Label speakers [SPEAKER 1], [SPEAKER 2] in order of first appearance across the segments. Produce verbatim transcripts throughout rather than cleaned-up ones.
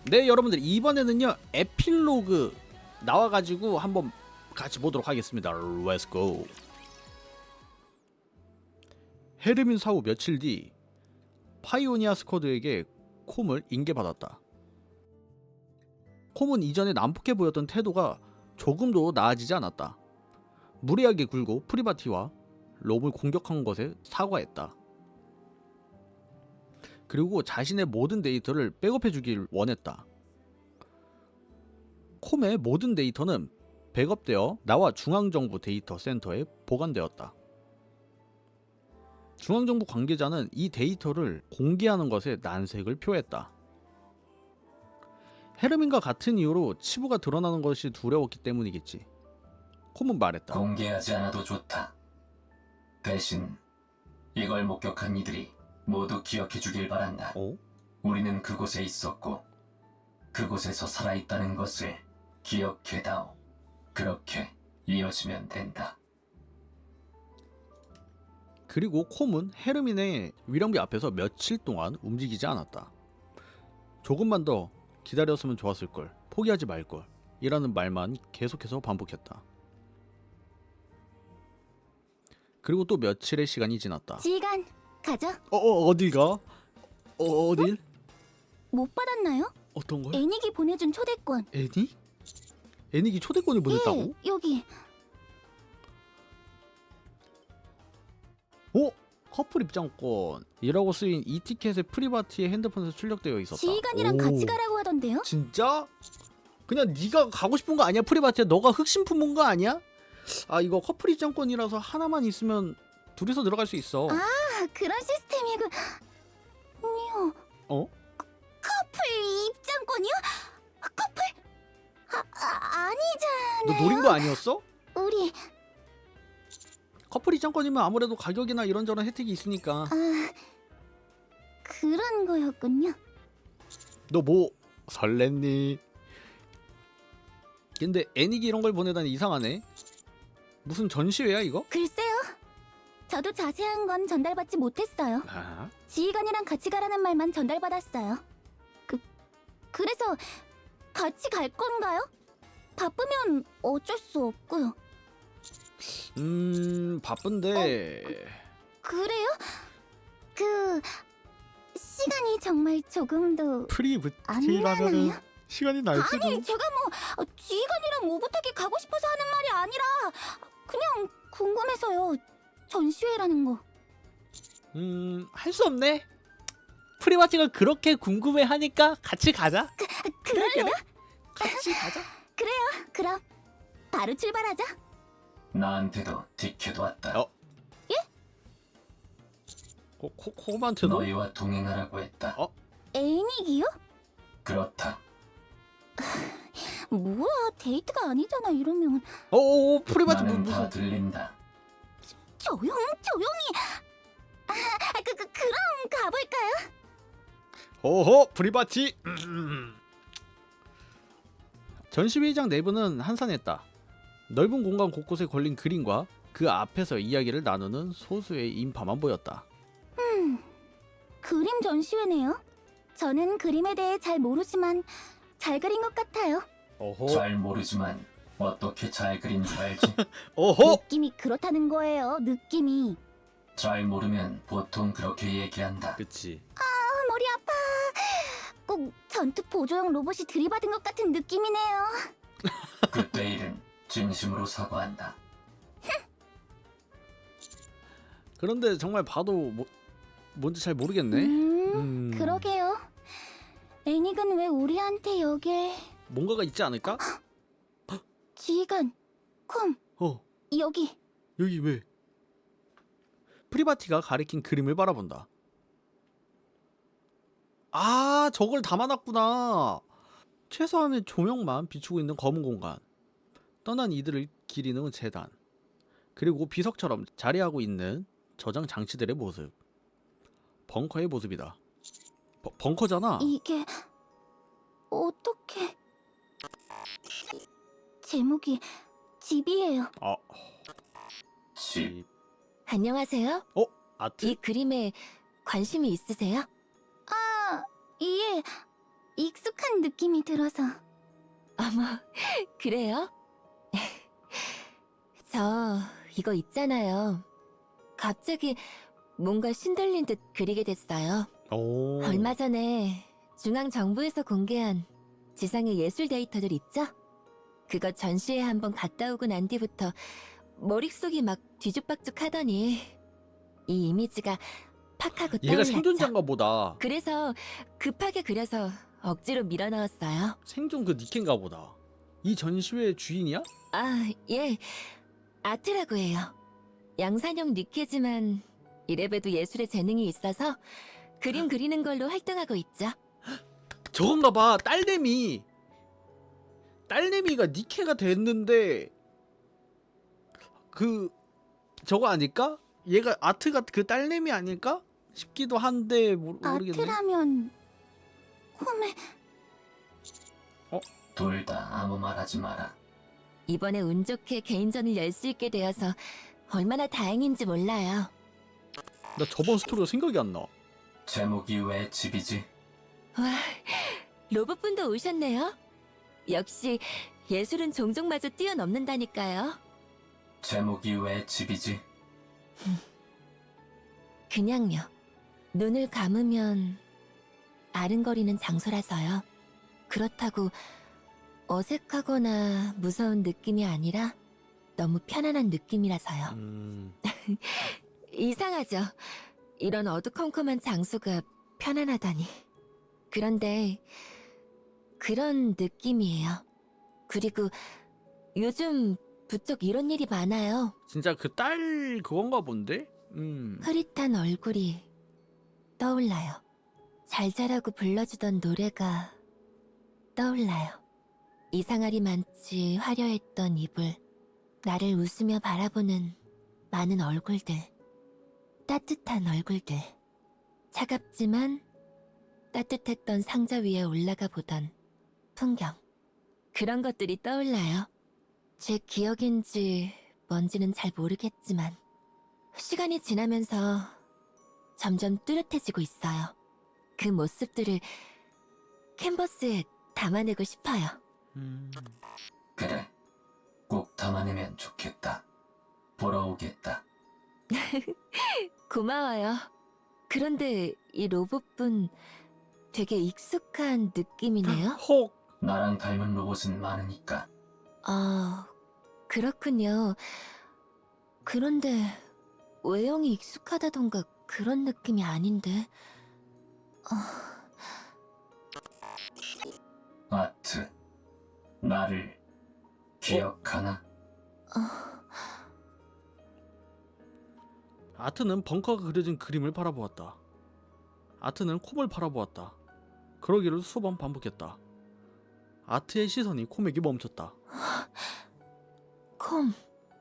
[SPEAKER 1] 네, 여러분들 이번에는요 에필로그 나와가지고 한번 같이 보도록 하겠습니다. Let's go. 헤르민 사후 며칠 뒤 파이오니아 스쿼드에게 콤을 인계받았다. 콤은 이전에 난폭해 보였던 태도가 조금도 나아지지 않았다. 무리하게 굴고 프리바티와 롬을 공격한 것에 사과했다. 그리고 자신의 모든 데이터를 백업해주길 원했다. 콤의 모든 데이터는 백업되어 나와 중앙정부 데이터 센터에 보관되었다. 중앙정부 관계자는 이 데이터를 공개하는 것에 난색을 표했다. 헤르민과 같은 이유로 치부가 드러나는 것이 두려웠기 때문이겠지. 콤은 말했다.
[SPEAKER 2] 공개하지 않아도 좋다. 대신 이걸 목격한 이들이 모두 기억해 주길 바란다.
[SPEAKER 1] 어?
[SPEAKER 2] 우리는 그곳에 있었고 그곳에서 살아있다는 것을 기억해다오. 그렇게 이어지면 된다.
[SPEAKER 1] 그리고 콤은 헤르민의 위령비 앞에서 며칠 동안 움직이지 않았다. 조금만 더 기다렸으면 좋았을걸, 포기하지 말걸 이라는 말만 계속해서 반복했다. 그리고 또 며칠의 시간이 지났다.
[SPEAKER 3] 지휘관, 가죠.
[SPEAKER 1] 어, 어 어딜 가? 어, 어딜?
[SPEAKER 3] 못 받았나요?
[SPEAKER 1] 어떤 걸?
[SPEAKER 3] 애닉이 보내준 초대권.
[SPEAKER 1] 애닉? 애닉이 초대권을 보냈다고?
[SPEAKER 3] 예, 여기.
[SPEAKER 1] 어? 커플 입장권이라고 쓰인 이 티켓의 프리바티의 핸드폰에서 출력되어 있었다.
[SPEAKER 3] 지휘관이랑
[SPEAKER 1] 오.
[SPEAKER 3] 같이 가라고 하던데요?
[SPEAKER 1] 진짜? 그냥 네가 가고 싶은 거 아니야? 프리바티야 너가 흑심 품은 거 아니야? 아 이거 커플 입장권이라서 하나만 있으면 둘이서 들어갈 수 있어.
[SPEAKER 3] 아, 그런 시스템이군. 니요.
[SPEAKER 1] 어?
[SPEAKER 3] 커플 입장권이요? 커플? 아, 아 아니잖아요.
[SPEAKER 1] 너 노린 거 아니었어?
[SPEAKER 3] 우리
[SPEAKER 1] 커플 입장권이면 아무래도 가격이나 이런저런 혜택이 있으니까.
[SPEAKER 3] 아 그런 거였군요.
[SPEAKER 1] 너 뭐 설렜니? 근데 애닉이 이런 걸 보내다니 이상하네. 무슨 전시회야 이거?
[SPEAKER 3] 글쎄요. 저도 자세한 건 전달받지 못했어요.
[SPEAKER 1] 아?
[SPEAKER 3] 지휘관이랑 같이 가라는 말만 전달받았어요. 그 그래서 같이 갈 건가요? 바쁘면 어쩔 수 없고요.
[SPEAKER 1] 음 바쁜데.
[SPEAKER 3] 그래요? 그 시간이 정말 조금 더 안
[SPEAKER 1] 프리브티라면은
[SPEAKER 3] 나나요?
[SPEAKER 1] 시간이 날지도.
[SPEAKER 3] 아니 제가 뭐 어, 지휘관이랑 오붓하게 가고 싶어서 하는 말이 아니라 그냥 궁금해서요. 전시회라는 거.
[SPEAKER 1] 음, 할 수 없네. 프리바티가 그렇게 궁금해 하니까 같이 가자.
[SPEAKER 3] 그럴래요?
[SPEAKER 1] 같이 가자.
[SPEAKER 3] 그럼 바로 출발하자.
[SPEAKER 2] 나한테도 티켓 왔다.
[SPEAKER 1] 어? 코, 코, 코만트도?
[SPEAKER 2] 너희와 동행하라고 했다.
[SPEAKER 1] 어?
[SPEAKER 3] 애닉이요?
[SPEAKER 2] 그렇다.
[SPEAKER 3] 뭐야 데이트가 아니잖아 이러면.
[SPEAKER 1] 어, 어, 프리바티 무,
[SPEAKER 2] 나는 다
[SPEAKER 1] 무슨?
[SPEAKER 2] 들린다.
[SPEAKER 3] 조용 조용히. 아, 그, 그 그럼 가볼까요?
[SPEAKER 1] 오호, 프리바티. 음. 전시회장 내부는 한산했다. 넓은 공간 곳곳에 걸린 그림과 그 앞에서 이야기를 나누는 소수의 인파만 보였다.
[SPEAKER 3] 그림 전시회네요. 저는 그림에 대해 잘 모르지만 잘 그린 것 같아요.
[SPEAKER 1] 오호,
[SPEAKER 2] 잘 모르지만 어떻게 잘 그린 줄 알지?
[SPEAKER 1] 오호.
[SPEAKER 3] 느낌이 그렇다는 거예요. 느낌이.
[SPEAKER 2] 잘 모르면 보통 그렇게 얘기한다.
[SPEAKER 1] 그치.
[SPEAKER 3] 아, 머리 아파. 꼭 전투 보조용 로봇이 들이받은 것 같은 느낌이네요.
[SPEAKER 2] 그때 일은 진심으로 사과한다.
[SPEAKER 1] 그런데 정말 봐도 뭐, 뭔지 잘 모르겠네.
[SPEAKER 3] 음,
[SPEAKER 1] 음.
[SPEAKER 3] 그러게요. 애닉은 왜 우리한테 여길...
[SPEAKER 1] 뭔가가 있지 않을까?
[SPEAKER 3] 지휘관, 콤,
[SPEAKER 1] 어,
[SPEAKER 3] 여기.
[SPEAKER 1] 여기 왜? 프리바티가 가리킨 그림을 바라본다. 아, 저걸 담아놨구나. 최소한의 조명만 비추고 있는 검은 공간. 떠난 이들을 기리는 재단. 그리고 비석처럼 자리하고 있는 저장 장치들의 모습. 벙커의 모습이다. 버, 벙커잖아.
[SPEAKER 3] 이게... 어떻게... 제목이 집이에요.
[SPEAKER 1] 아,
[SPEAKER 2] 집.
[SPEAKER 4] 안녕하세요.
[SPEAKER 1] 어? 아트?
[SPEAKER 4] 이 그림에 관심이 있으세요?
[SPEAKER 3] 아, 예. 익숙한 느낌이 들어서.
[SPEAKER 4] 어머, 그래요? 저 이거 있잖아요. 갑자기 뭔가 신들린 듯 그리게 됐어요.
[SPEAKER 1] 오.
[SPEAKER 4] 얼마 전에 중앙정부에서 공개한 지상의 예술 데이터들 있죠? 그거 전시회 한번 갔다 오고 난 뒤부터 머릿속이 막 뒤죽박죽 하더니 이 이미지가 팍 하고
[SPEAKER 1] 얘가
[SPEAKER 4] 떠올랐죠.
[SPEAKER 1] 생존자인가 보다.
[SPEAKER 4] 그래서 급하게 그려서 억지로 밀어 넣었어요.
[SPEAKER 1] 생존 그 니켄가 보다. 이 전시회 주인이야?
[SPEAKER 4] 아, 예. 아트라고 해요. 양산형 니케지만 이래봬도 예술에 재능이 있어서 그림 그리는 걸로 활동하고 있죠.
[SPEAKER 1] 저건가 봐. 딸내미. 딸내미가 니케가 됐는데 그 저거 아닐까? 얘가 아트가 그 딸내미 아닐까? 싶기도 한데 모르, 모르겠네.
[SPEAKER 3] 아트라면 콤에
[SPEAKER 2] 둘 다 아무 말하지 마라.
[SPEAKER 4] 이번에 운 좋게 개인전을 열 수 있게 되어서 얼마나 다행인지 몰라요.
[SPEAKER 1] 나 저번 스토리가 생각이 안 나.
[SPEAKER 2] 제목이 왜 집이지?
[SPEAKER 4] 와, 로봇분도 오셨네요. 역시 예술은 종족마저 뛰어넘는다니까요.
[SPEAKER 2] 제목이 왜 집이지?
[SPEAKER 4] 그냥요. 눈을 감으면 아른거리는 장소라서요. 그렇다고 어색하거나 무서운 느낌이 아니라 너무 편안한 느낌이라서요.
[SPEAKER 1] 음.
[SPEAKER 4] 이상하죠? 이런 어두컴컴한 장소가 편안하다니. 그런데 그런 느낌이에요. 그리고 요즘 부쩍 이런 일이 많아요.
[SPEAKER 1] 진짜 그 딸 그건가 본데? 음.
[SPEAKER 4] 흐릿한 얼굴이 떠올라요. 잘 자라고 불러주던 노래가 떠올라요. 이상하리 많지 화려했던 이불, 나를 웃으며 바라보는 많은 얼굴들, 따뜻한 얼굴들, 차갑지만 따뜻했던 상자 위에 올라가 보던 풍경, 그런 것들이 떠올라요. 제 기억인지 뭔지는 잘 모르겠지만 시간이 지나면서 점점 뚜렷해지고 있어요. 그 모습들을 캔버스에 담아내고 싶어요.
[SPEAKER 1] 음.
[SPEAKER 2] 그래, 꼭 담아내면 좋겠다. 보러 오겠다.
[SPEAKER 4] 고마워요. 그런데 이 로봇분 되게 익숙한 느낌이네요.
[SPEAKER 1] 혹.
[SPEAKER 2] 나랑 닮은 로봇은 많으니까.
[SPEAKER 4] 아, 그렇군요. 그런데 외형이 익숙하다던가 그런 느낌이 아닌데. 어,
[SPEAKER 2] 아트, 나를 기억하나?
[SPEAKER 4] 어,
[SPEAKER 1] 아트는 벙커가 그려진 그림을 바라보았다. 아트는 콤을 바라보았다. 그러기를 수번 반복했다. 아트의 시선이 콤에게 멈췄다.
[SPEAKER 4] 콤.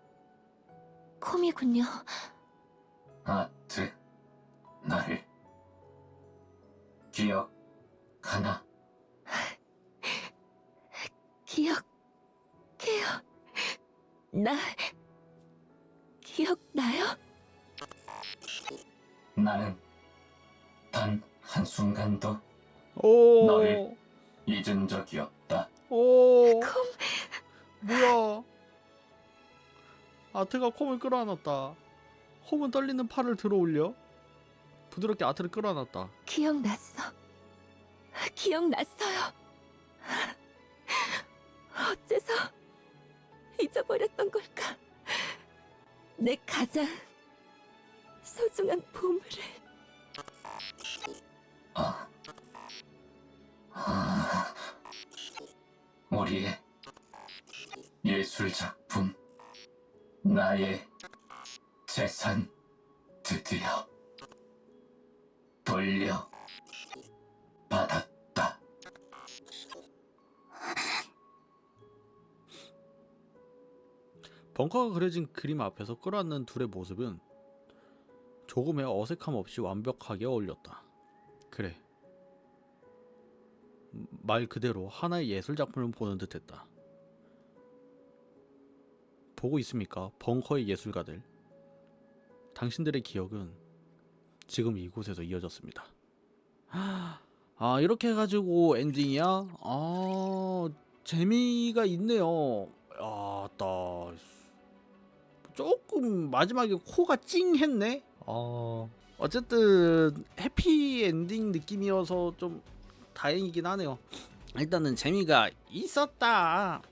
[SPEAKER 4] 콤이군요.
[SPEAKER 2] 아트, 나를 기억하나?
[SPEAKER 4] 기억해요. 나 기억나요?
[SPEAKER 2] 나는 단 한순간도
[SPEAKER 1] 오.
[SPEAKER 2] 너를 잊은 적이 없다.
[SPEAKER 1] 오.
[SPEAKER 4] 콤.
[SPEAKER 1] 뭐야? 아트가 콤을 끌어안았다. 콤은 떨리는 팔을 들어올려 부드럽게 아트를 끌어안았다.
[SPEAKER 4] 기억났어. 기억났어요. 어째서 잊어버렸던 걸까? 내 가장 소중한 보물을.
[SPEAKER 2] 아, 아, 우리의 예술 작품, 나의 재산 드디어 돌려 받았다.
[SPEAKER 1] 벙커가 그려진 그림 앞에서 끌어안는 둘의 모습은 조금의 어색함 없이 완벽하게 어울렸다. 그래, 말 그대로 하나의 예술 작품을 보는 듯했다. 보고 있습니까? 벙커의 예술가들. 당신들의 기억은 지금 이곳에서 이어졌습니다. 아, 아 이렇게 해가지고 엔딩이야? 아 재미가 있네요. 아따 조금 마지막에 코가 찡했네. 어 어쨌든 해피 엔딩 느낌이어서 좀 다행이긴 하네요. 일단은 재미가 있었다.